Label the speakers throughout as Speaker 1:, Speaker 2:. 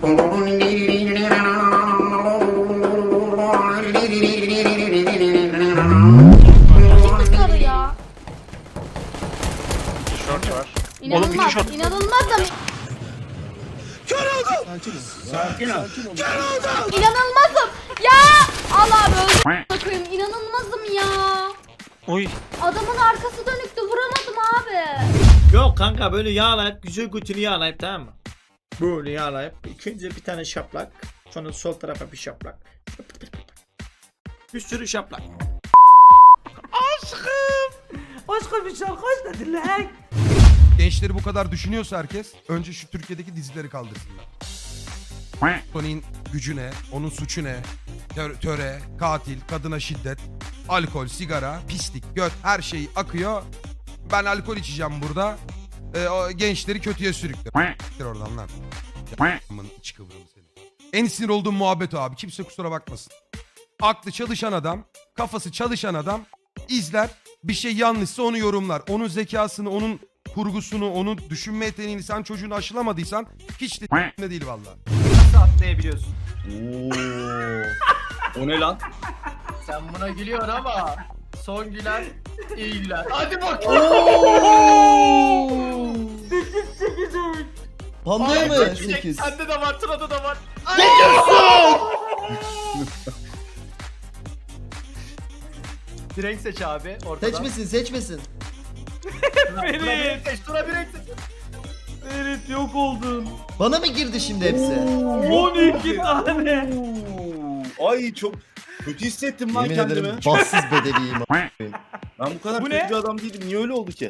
Speaker 1: Sarı ya.
Speaker 2: Short var.
Speaker 1: İnanılmaz, inanılmazım.
Speaker 2: Sakin ol.
Speaker 1: İnanılmazım. Ya Allah öldüm. Bakayım inanılmazım ya.
Speaker 2: Oy.
Speaker 1: Adamın arkası dönüktü vuramadım abi.
Speaker 3: Yok kanka böyle yağlayıp güzel götünü yağlayıp tamam mı? Böyle yağlayıp ilk önce bir tane şaplak, sonra sol tarafa bir şaplak. Bir sürü şaplak. Aşkım. Aşkım bir şarkı dedin lan.
Speaker 4: Gençleri bu kadar düşünüyorsa herkes önce şu Türkiye'deki dizileri kaldırsınlar. Tony'nin gücü ne? Onun suçu ne? Töre, katil, kadına şiddet, alkol, sigara, pislik, göt her şey akıyor. Ben alkol içeceğim burada. O gençleri kötüye sürükle. Oradan lan. Aman iç kıvrımı seni. En sinir olduğum muhabbet o abi. Kimse kusura bakmasın. Aklı çalışan adam, kafası çalışan adam izler. Bir şey yanlışsa onu yorumlar. Onun zekasını, onun kurgusunu, onun düşünme yeteneğini sen çocuğunu aşılamadıysan hiç de değil vallahi.
Speaker 5: Nasıl atlayabiliyorsun?
Speaker 2: O ne lan?
Speaker 5: Sen buna gülüyorsun ama son gülen iyi güler. Hadi bak.
Speaker 6: Pandaya mı?
Speaker 5: 8.
Speaker 6: 8.
Speaker 5: Sende de var, Tuna'da da var. Bir renk seç abi ortadan.
Speaker 6: Seçmesin seçmesin.
Speaker 5: Tuna bir renk seç, Tuna bir renk seç.
Speaker 3: Evet yok oldun.
Speaker 6: Bana mı girdi şimdi hepsi?
Speaker 3: 12 tane.
Speaker 2: Ay çok kötü hissettim lan
Speaker 6: Yemin
Speaker 2: kendimi.
Speaker 6: ederim bahtsız bedeliyim.
Speaker 2: Ben bu kadar
Speaker 3: Bu
Speaker 2: kötü
Speaker 3: ne?
Speaker 2: bir adam değilim. Niye öyle oldu ki?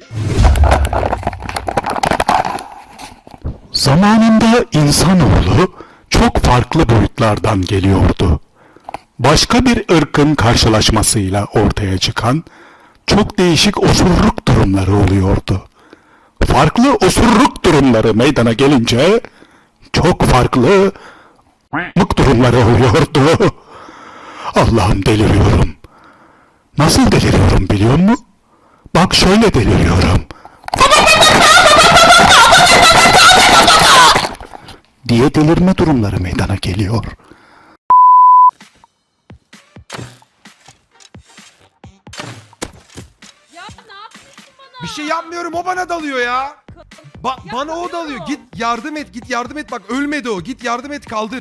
Speaker 7: Zamanında insanoğlu çok farklı boyutlardan geliyordu. Başka bir ırkın karşılaşmasıyla ortaya çıkan çok değişik osurluk durumları oluyordu. Farklı osurluk durumları meydana gelince çok farklı mık durumları oluyordu. Allah'ım deliriyorum. Nasıl deliriyorum biliyor musun? Bak şöyle deliriyorum. Diye delirme durumları meydana geliyor.
Speaker 1: Ya ne yapıyorsun bana?
Speaker 4: Bir şey yapmıyorum o bana dalıyor ya. Bana o dalıyor. Git yardım et, git yardım et. Bak ölmedi o. Git yardım et, kaldır.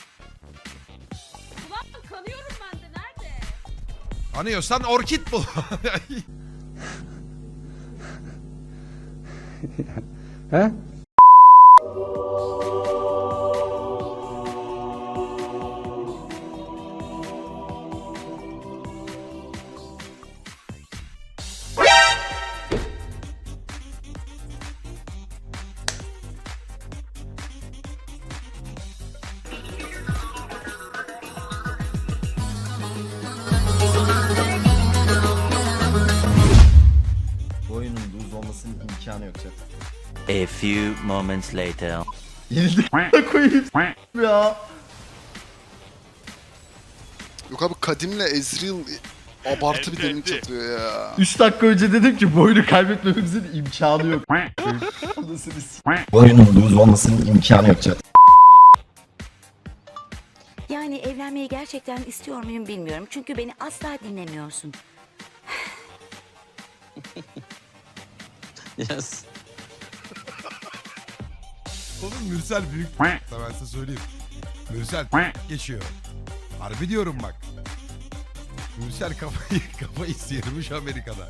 Speaker 1: Ulan kanıyorum ben de nerede?
Speaker 4: Anıyorsan orkid bul.
Speaker 6: Bu oyunun lose olmasının imkanı yok zaten.
Speaker 8: A few moments later.
Speaker 6: Yenildik a**ına koyayım ya.
Speaker 9: Yok abi Kadim'le Ezreal abartı bir damage atıyor ya.
Speaker 6: 3 dakika önce dedim ki bu oyunu kaybetmemizin imkanı yok. Bu oyunun lose olmasının imkanı yok zaten.
Speaker 10: Yani evlenmeyi gerçekten istiyor muyum bilmiyorum. Çünkü beni asla dinlemiyorsun.
Speaker 8: Yes.
Speaker 4: Oğlum Mürsel büyük. Ben size söyleyeyim. Mürsel geçiyor. Harbi diyorum bak. Mürsel kafayı sıyırmış Amerika'da.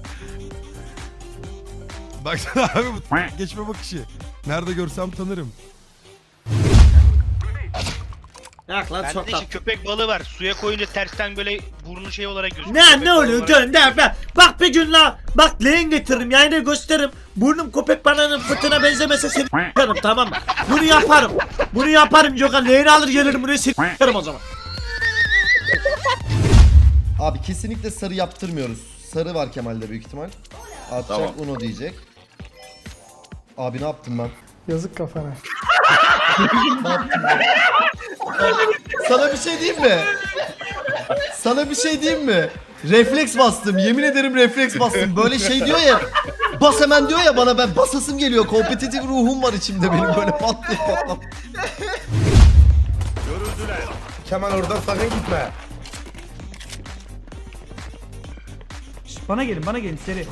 Speaker 4: Baksana abi bu geçme bakışı. Nerede görsem tanırım.
Speaker 3: Yak lan
Speaker 2: Bende
Speaker 3: çok
Speaker 2: de işte
Speaker 3: tatlı.
Speaker 2: köpek balığı var. Suya koyunca tersten böyle burnu şey olarak gözüküyor.
Speaker 3: Ne oluyor gönder be. Bak bir gün la. Bak leğen getiririm yayına gösteririm. Burnum köpek balığının fıtığına benzemese seni s**arım tamam mı? Bunu yaparım. Bunu yaparım Gökhan. Leğeni alır gelirim buraya seni s**arım o zaman.
Speaker 6: Abi kesinlikle sarı yaptırmıyoruz. Sarı var Kemal'de büyük ihtimal. Atacak
Speaker 2: Tamam.
Speaker 6: Uno diyecek. Abi ne yaptım ben?
Speaker 11: Yazık kafana.
Speaker 6: Ne yaptım ben? Sana bir şey diyeyim mi? Sana bir şey diyeyim mi? Refleks bastım. Yemin ederim refleks bastım. Böyle şey diyor ya. Bas hemen diyor ya bana, ben basasım geliyor. Kompetitif ruhum var içimde benim böyle pat diye patlam.
Speaker 4: Kemal oradan sakın gitme.
Speaker 5: Bana gelin seri.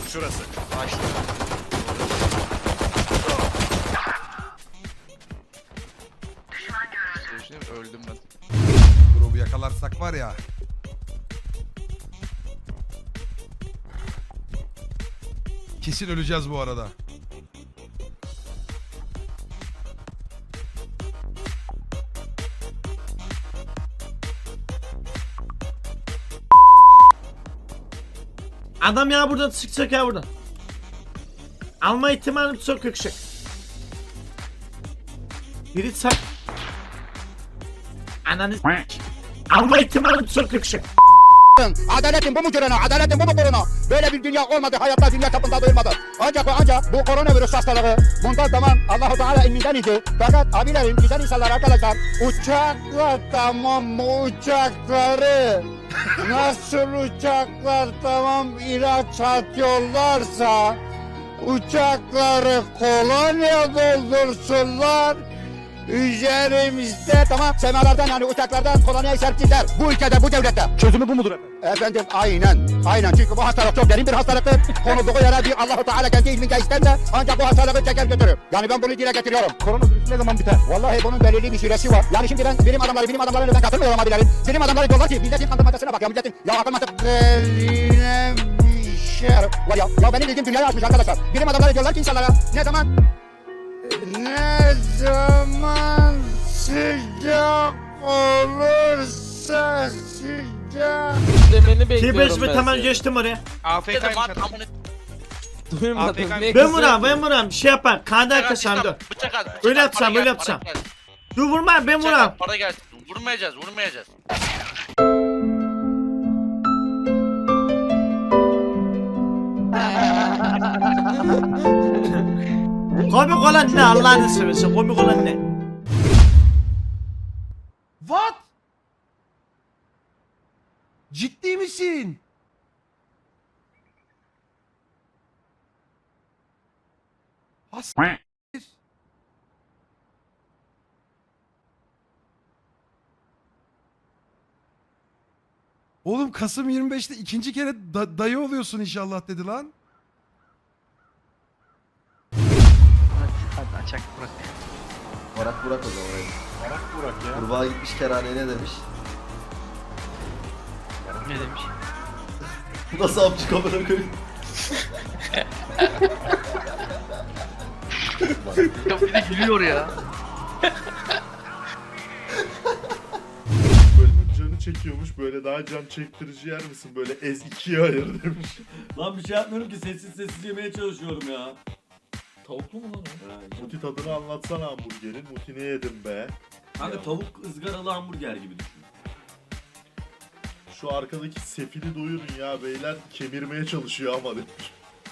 Speaker 9: Öldüm ben.
Speaker 4: Drop'u yakalarsak var ya. Kesin öleceğiz bu arada.
Speaker 3: Adam ya buradan çıkacak ya buradan. Alma ihtimalim çok yüksek. Biri sak. Ananı s**k. Alma ihtimalim çok yüksek.
Speaker 7: Adaletin bu mu corona? Adaletin bu mu korona? Böyle bir dünya olmadı. Hayatta dünya çapında duyulmadı. Ancak bu koronavirüs hastalığı bundan zaman Allah-u Teala ilminden idi. Fakat abilerim, güzel insanlar arkadaşlar. Uçaklar tamam mı uçakları? Nasıl uçaklar tamam ilaç atıyorlarsa uçakları kolonya doldursunlar. Üzerimizde tamam semalardan yani uçaklardan kolonya serpsinler. Bu ülkede bu devlette. Çözümü bu mudur efendim? Aynen. Çünkü bu hastalık çok derin bir hastalıktır. Konulduğu yere bir Allah-u Teala kendi ilmince ister de ancak bu hastalığı çeker götürür. Yani ben bunu dile getiriyorum. Koronavirüs ne zaman biter? Vallahi bunun belirli bir süresi var. Yani şimdi ben bilim adamlarına ben katılmıyorum abilerim. Bilim adamları diyorlar ki milletin kandırmacasına bak ya milletin. Ya akıl mantık. Eline bir şey var ya. Ya benim bildiğim dünyayı açmış arkadaşlar. Bilim adamları diyorlar ki insanlara ne zaman sıcak olursa sıcak.
Speaker 5: Demeni
Speaker 3: T5 ve tamam geçtim oraya.
Speaker 2: AFK'ymış adam.
Speaker 3: Ben vuram. Bir şey yapar. Kandı arkadaşlar dur. Öyle yapsam. Dur vurma ben vuram.
Speaker 2: Para gelsin. Vurmayacağız.
Speaker 3: Komik olan ne Allah'ını seversen komik olan ne?
Speaker 4: What? Ciddi misin? Oğlum Kasım 25'te ikinci kere dayı oluyorsun inşallah dedi lan.
Speaker 2: Hadi açak bırak.
Speaker 6: Barak Burak o zaman. Barak Burak ya. Kurbağa gitmiş kerhaneye ne demiş?
Speaker 2: Ne demiş?
Speaker 6: Bu nasıl amcık amına koyayım?
Speaker 2: Ya bir de gülüyor ya.
Speaker 11: Böyle canı çekiyormuş, böyle daha can çektirici yer misin? Böyle ez ikiye ayır demiş.
Speaker 3: Lan bir şey yapmıyorum ki sessiz yemeye çalışıyorum ya.
Speaker 5: Tavuklu mu lan o?
Speaker 11: Muti tadını anlatsana hamburgerin. Muti ne yedin be?
Speaker 3: Kanka tavuk ızgaralı hamburger gibi düşün.
Speaker 11: Şu arkadaki sefili duyurun ya beyler, kemirmeye çalışıyor ama demiş.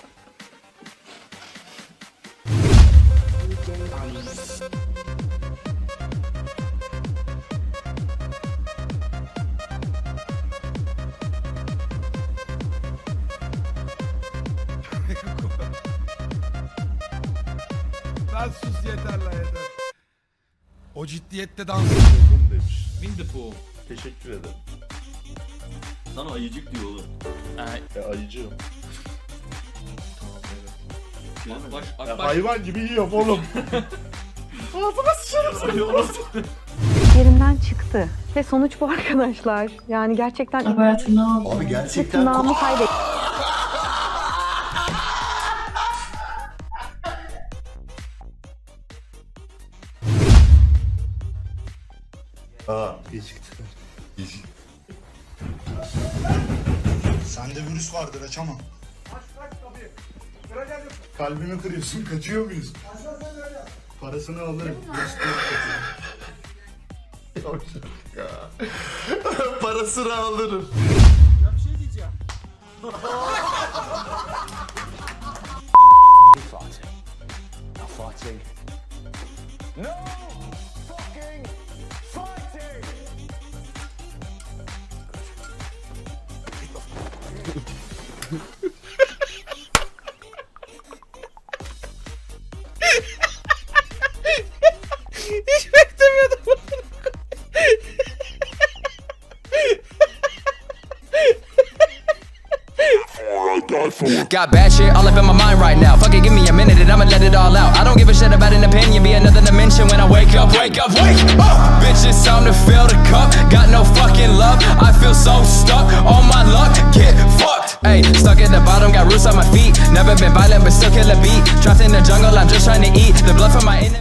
Speaker 4: Lan sus yeter lan yeter. O ciddiyette dans.
Speaker 11: Buldum demiş.
Speaker 5: Windipool.
Speaker 11: Teşekkür ederim.
Speaker 3: Sana ayıcık diyor oğlum.
Speaker 11: Ayıcığım.
Speaker 5: Akbaş,
Speaker 11: Ya
Speaker 5: akbaş.
Speaker 11: hayvan gibi yiyorum oğlum. Ağzıma sıçarım seni.
Speaker 10: Yerimden çıktı. Ve sonuç bu arkadaşlar. Yani gerçekten
Speaker 6: Abi gerçekten
Speaker 10: tırnağımı kaybettim.
Speaker 11: iyi çıktı.
Speaker 7: Sende virüs vardır açamam.
Speaker 11: Kalbimi kırıyorsun, kaçıyor muyuz?
Speaker 7: Parasını alırım.
Speaker 6: parasını alırım.
Speaker 3: Hiç beklemiyordum.
Speaker 12: Got bad shit all up in my mind right now. Fuck it, give me a minute and I'ma let it all out. I don't give a shit about an opinion, be another dimension when I wake up. Wake up, wake up. Bitch, it's time to fill the cup. Got no fucking love. I feel so stuck on my luck. Get fucked. Hey, stuck at the bottom, got roots on my feet. Never been violent, but still kill a beat. Trapped in the jungle, I'm just trying to eat. The blood from my enemy.